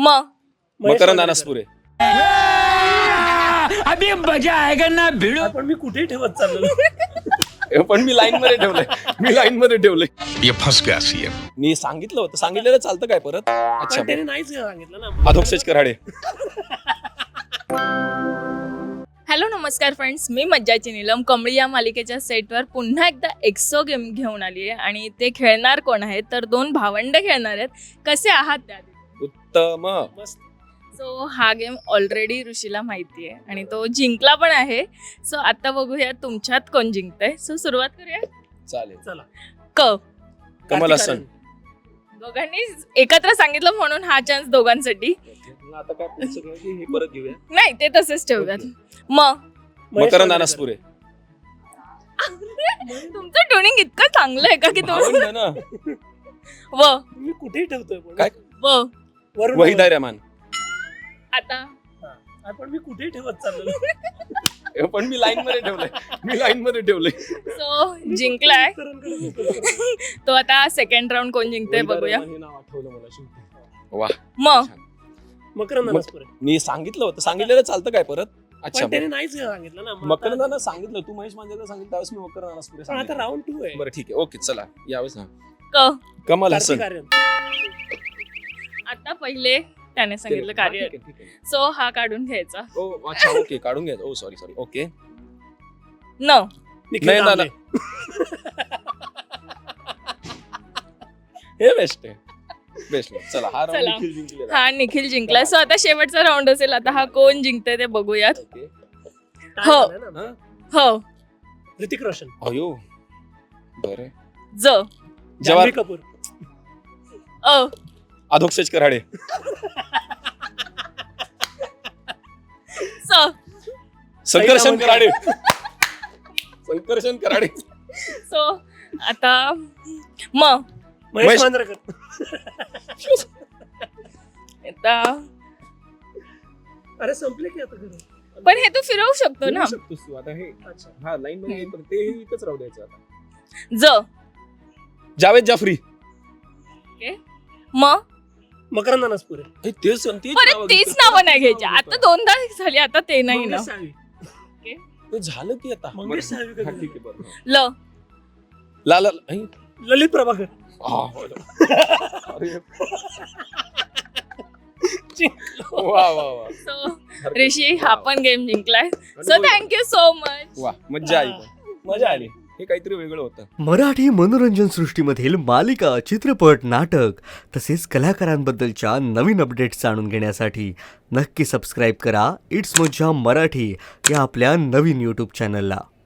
मकरंद अनासपुरे. अभी मजा आएगा ना भिडो. पण मी कुठे ठेवत चाललो. पण मी लाईन मध्ये ठेवलंय. ये फंस गया सीएम. मी सांगितलेलं चालतं काय परत. अच्छा पण त्याने नाहीच सांगितलं ना. अधोक्षज कराडे. हॅलो नमस्कार फ्रेंड्स, मी मज्जाची नीलम कमळी या मालिकेच्या सेटवर पुन्हा एकदा एक्सो गेम घेऊन आली आहे आणि ते खेळणार कोण आहेत तर दोन भावंड खेळणार आहेत. कसे आहात त्या? उत्तम. सो हा गेम ऑलरेडी ऋषीला माहिती आहे आणि तो जिंकला पण आहे. सो आता बघूया तुमच्यात कोण जिंकतंय. सो सुरुवात करूया. चालेल. चला. कमल हसन. दोघांनी एकत्र सांगितलं म्हणून हा चान्स दोघांसाठी. आता काय हे परत घेऊया. नाही ते तसेच ठेवूयात. मकरंद अनासपुरे. तुमचं ट्युनिंग इतकं चांगलं आहे का की भावंड ना. मी कुठे ठेवतोय पण. काय? वरुण वहिदा रहमान. आता पण मी कुठे ठेवत चाललो. पण मी लाईन मध्ये ठेवलंय. सो जिंकलाय तो. आता सेकंड राऊंड कोण जिंकतोय बघूया. वा. मकरंद अनासपुरे. मी सांगितलेलं चालतं काय परत. अच्छा पण त्याने नाहीच सांगितलं ना. मकरंदानं सांगितलं. तू महेश मांजरेला सांगितलं त्यावेळेस मी मकरंद अनासपुरे पण आता राऊंड 2 आहे. बरं ठीक आहे. ओके चला यावेळेस कमल हसन. कार्तिक आर्यन. आता पहिले त्याने सांगितलं कार्य. ठीक आहे. सो हा काढून घ्यायचा. ओ अच्छा ओके काढून घ्या. ओ सॉरी ओके. निखिल नाही कांबळे. हे बेस्ट आहे. चला हा चला. राऊंड निखिल जिंकलेला. हा निखिल जिंकला. सो आता शेवटचा राऊंड असेल. आता हा कोण जिंकतोय ते बघूयात. ओके. काय हो. झालं ना? हो ऋतिक रोशन. अयो बरं. ज जवाहर कपूर. अधोक्षज कराडे. संकर्षण कराडे. सो आता महेश मांजरेकर. आता अरे संपले की आता घरी. पण हे तू फिरवू शकतो ना. शकतोस तू आता हे. अच्छा. हा लाईन मध्ये पण ते इथंच राहू द्यायचं आता. जावेद जाफरी. मकरंद अनासपुरे. तेच परत तीच नावं नाही घ्यायची. आता दोनदा झाली. आता ते नाही ना. मंगेश साळवी. ते झालं की आता. मंगेश साळवी का? हा, ठीक आहे बरं. लाला ललित प्रभाकर. वा. सो ऋषी हा पण गेम जिंकलाय. So thank you so much. वा मजा आली. हे काहीतरी वेगळं होतं. मराठी मनोरंजन सृष्टीमधील मालिका, चित्रपट, नाटक तसेच कलाकारांबद्दलच्या नवीन अपडेट्स जाणून घेण्यासाठी नक्की सबस्क्राईब करा इट्स मज्जा मराठी या आपल्या नवीन यूट्यूब चॅनलला.